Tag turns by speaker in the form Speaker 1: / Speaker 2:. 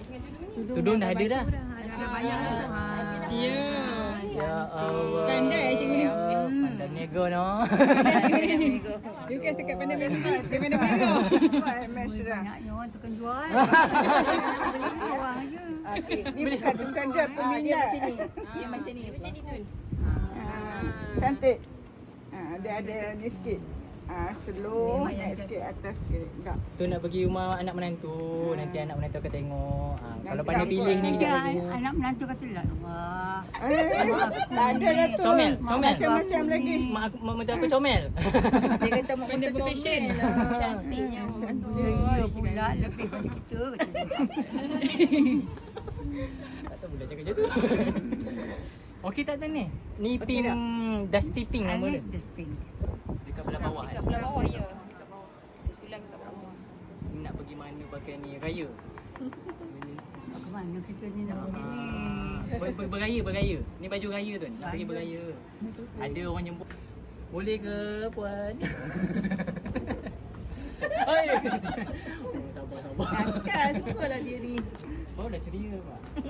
Speaker 1: Tudung dah ada dah.
Speaker 2: Ada banyak tu.
Speaker 3: Ya.
Speaker 1: Ya Allah.
Speaker 3: Pandai cikgu ni.
Speaker 1: Pandai nego no.
Speaker 3: Dia kan dekat pandai nego. Dia pandai nego.
Speaker 2: Banyaknya orang tukang jual. Orang je.
Speaker 4: Ni bukan dia peminat. Dia macam ni. Cantik. Dia ada ni sikit. Slow, naik sikit atas sikit. Tak.
Speaker 1: So nak pergi rumah anak menantu, nanti anak menantu akan tengok. Kalau
Speaker 4: Nanti
Speaker 1: pandai
Speaker 4: apa?
Speaker 1: pilih ni kejap
Speaker 2: Dia
Speaker 1: lagi.
Speaker 2: anak menantu kata lah. Wah.
Speaker 4: Tak ada lah tu.
Speaker 1: Comel.
Speaker 4: Macam-macam lagi.
Speaker 1: Mak menantu aku comel.
Speaker 4: Dia kata mak
Speaker 3: Pandai
Speaker 4: kita
Speaker 3: berfashion.
Speaker 4: comel lah.
Speaker 3: Cantiknya.
Speaker 2: Ya pula lebih pada kita.
Speaker 1: Tak tahu pula cakap macam tu. Okey tak Tan ni? Ni pink Dusty Pink nama dia.
Speaker 2: Dustbin.
Speaker 1: Dekat belah bawah.
Speaker 3: Dekat belah bawah ya. Dekat bawah. Dia sulang kat bawah.
Speaker 1: Ni nak pergi mana pakai ni? Raya.
Speaker 2: Ke mana kita ni nak pergi ni?
Speaker 1: Beraya. Ni baju raya tu. Nak pergi beraya. Ada orang jemput. Boleh ke puan? Oi. Sabar.
Speaker 4: Kan, sukalah dia ni.
Speaker 1: Oh dah ceria pak.